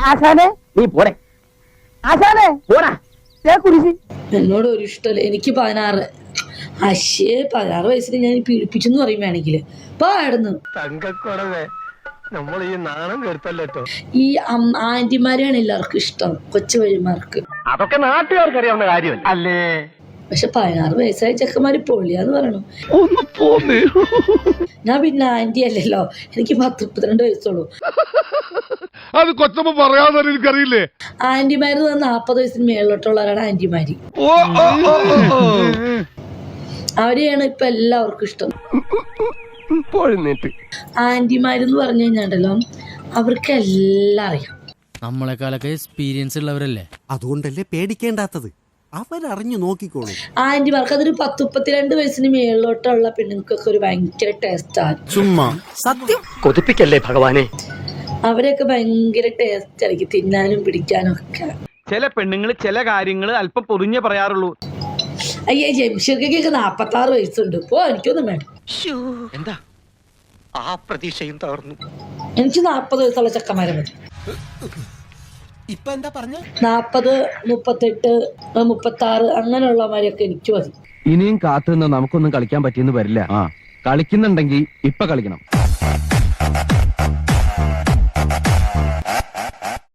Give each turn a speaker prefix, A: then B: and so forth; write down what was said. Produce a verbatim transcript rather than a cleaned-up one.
A: ആശാനെ
B: നീ പോരെ
A: ആശാനെ
B: പോരാ.
A: കുരിശി
C: എന്നോട് ഒരു ഇഷ്ടമല്ല. എനിക്ക് പതിനാറ് അശ്ശേ പതിനാറ് വയസ്സിൽ ഞാൻ പീഡിപ്പിച്ചെന്ന് പറയും വേണമെങ്കിൽ പാടുന്നു.
D: നമ്മൾ ഈ നാണം കേട്ടല്ലോ.
C: ഈ ആന്റിമാരെയാണ് എല്ലാവർക്കും ഇഷ്ടം, കൊച്ചു വഴിമാർക്ക്.
D: അതൊക്കെ നാട്ടുകാർക്ക് അറിയാവുന്ന കാര്യമല്ല അല്ലേ.
C: പക്ഷെ പതിനാറ് വയസ്സായ ചെക്കന്മാര് പൊള്ളിയാന്ന് പറയണു. ഞാൻ പിന്നെ ആന്റി അല്ലല്ലോ, എനിക്ക് പത്ത് മുപ്പത്തിരണ്ട് വയസ്സുള്ളൂ.
E: അത് കൊച്ചമ്മ പറയാതെ എനിക്കറിയില്ലേ.
C: ആന്റിമാര് നാപ്പത് വയസ്സിന് മേളിലോട്ടുള്ളവരാണ് ആന്റിമാര്. അവരെയാണ് ഇപ്പൊ എല്ലാവർക്കും ഇഷ്ടം. ആന്റിമാരെന്ന് പറഞ്ഞു കഴിഞ്ഞാണ്ടല്ലോ അവർക്ക് എല്ലാം അറിയാം.
F: നമ്മളെക്കാളൊക്കെ എക്സ്പീരിയൻസ് ഉള്ളവരല്ലേ,
G: അതുകൊണ്ടല്ലേ പേടിക്കേണ്ടാത്തത്. അവരറിഞ്ഞു നോക്കിക്കോളൂ.
C: ആന്റിമാർക്ക് അതൊരു പത്ത് മുപ്പത്തിരണ്ട് വയസ്സിന് മേളിലോട്ടുള്ള പെണ്ണുങ്ങൾക്കൊക്കെ ഒരു ഭയങ്കര ടേസ്റ്റാണ്.
G: ചുമ്മാ സത്യം
B: കൊതിപ്പിക്കല്ലേ ഭഗവാനെ.
C: അവരെയൊക്കെ ഭയങ്കര ടേസ്റ്റ് ആയിരിക്കും തിന്നാനും പിടിക്കാനും ഒക്കെ.
D: ചില പെണ്ണുങ്ങൾ ചില കാര്യങ്ങൾ അല്പം പൊറിഞ്ഞേ പറയാറുള്ളൂ.
C: അയ്യേ ജംഷീർക്കൊക്കെ നാപ്പത്തി ആറ് വയസ്സുണ്ട്. പോ, എനിക്കൊന്നും വേണ്ട.
B: എന്താ ആ പ്രതീക്ഷയും തകർന്നു.
C: എനിക്ക് നാപ്പത് വയസ്സുള്ള ചെക്കന്മാരെ മതി.
G: ഇപ്പൊ എന്താ പറഞ്ഞ
C: നാപ്പത് മുപ്പത്തെട്ട് മുപ്പത്തി ആറ് അങ്ങനെയുള്ളവരെയൊക്കെ എനിക്ക് മതി.
H: ഇനിയും കാത്തുനിന്ന് നമുക്കൊന്നും കളിക്കാൻ പറ്റിയെന്ന് വരില്ല. കളിക്കുന്നുണ്ടെങ്കിൽ ഇപ്പൊ കളിക്കണം.